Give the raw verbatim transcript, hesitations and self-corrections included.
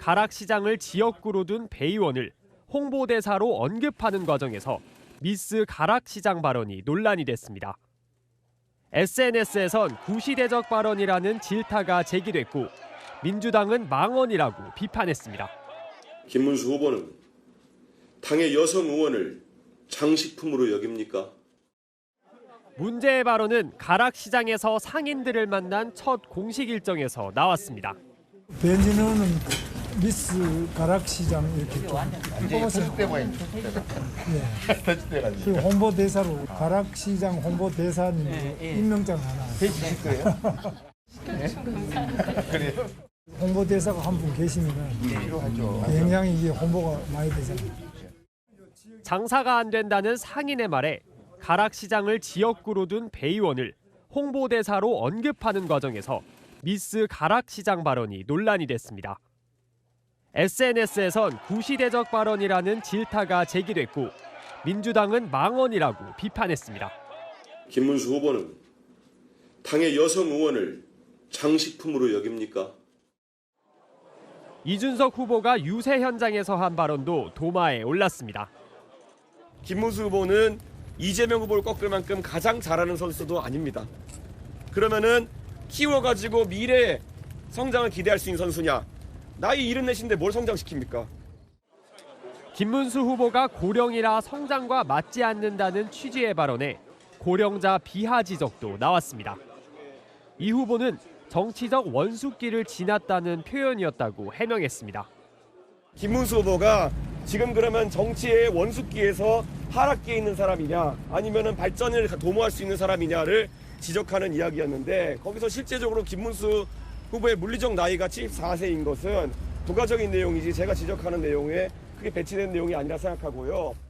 가락시장을 지역구로 둔 배 의원을 홍보대사로 언급하는 과정에서 미스 가락시장 발언이 논란이 됐습니다. 에스엔에스에선 구시대적 발언이라는 질타가 제기됐고 민주당은 망언이라고 비판했습니다. 김문수 후보는 당의 여성 의원을 장식품으로 여깁니까? 문제의 발언은 가락시장에서 상인들을 만난 첫 공식 일정에서 나왔습니다. 벤진호는 미스 가락시장 이렇게 뽑았어요. 예. 그 홍보대사로 가락시장 홍보대사님 임명장 하나. 해주실 거예요? 그래요? 홍보대사가 한 분 계시면 필요하죠. 굉장히 이게 홍보가 많이 되잖아요. 장사가 안 된다는 상인의 말에 가락시장을 지역구로 둔 배 의원을 홍보대사로 언급하는 과정에서 미스 가락시장 발언이 논란이 됐습니다. 에스엔에스에선 구시대적 발언이라는 질타가 제기됐고 민주당은 망언이라고 비판했습니다. 김문수 후보는 당의 여성 의원을 장식품으로 여깁니까? 이준석 후보가 유세 현장에서 한 발언도 도마에 올랐습니다. 김문수 후보는 이재명 후보를 꺾을 만큼 가장 잘하는 선수도 아닙니다. 그러면은 키워가지고 미래의 성장을 기대할 수 있는 선수냐? 나이 일흔넷인데 뭘 성장시킵니까? 김문수 후보가 고령이라 성장과 맞지 않는다는 취지의 발언에 고령자 비하 지적도 나왔습니다. 이 후보는 정치적 원숙기를 지났다는 표현이었다고 해명했습니다. 김문수 후보가 지금 그러면 정치의 원숙기에서 하락기에 있는 사람이냐 아니면은 발전을 도모할 수 있는 사람이냐를 지적하는 이야기였는데 거기서 실제적으로 김문수 후보의 물리적 나이가 칠십사 세인 것은 부가적인 내용이지 제가 지적하는 내용에 크게 배치된 내용이 아니라 생각하고요.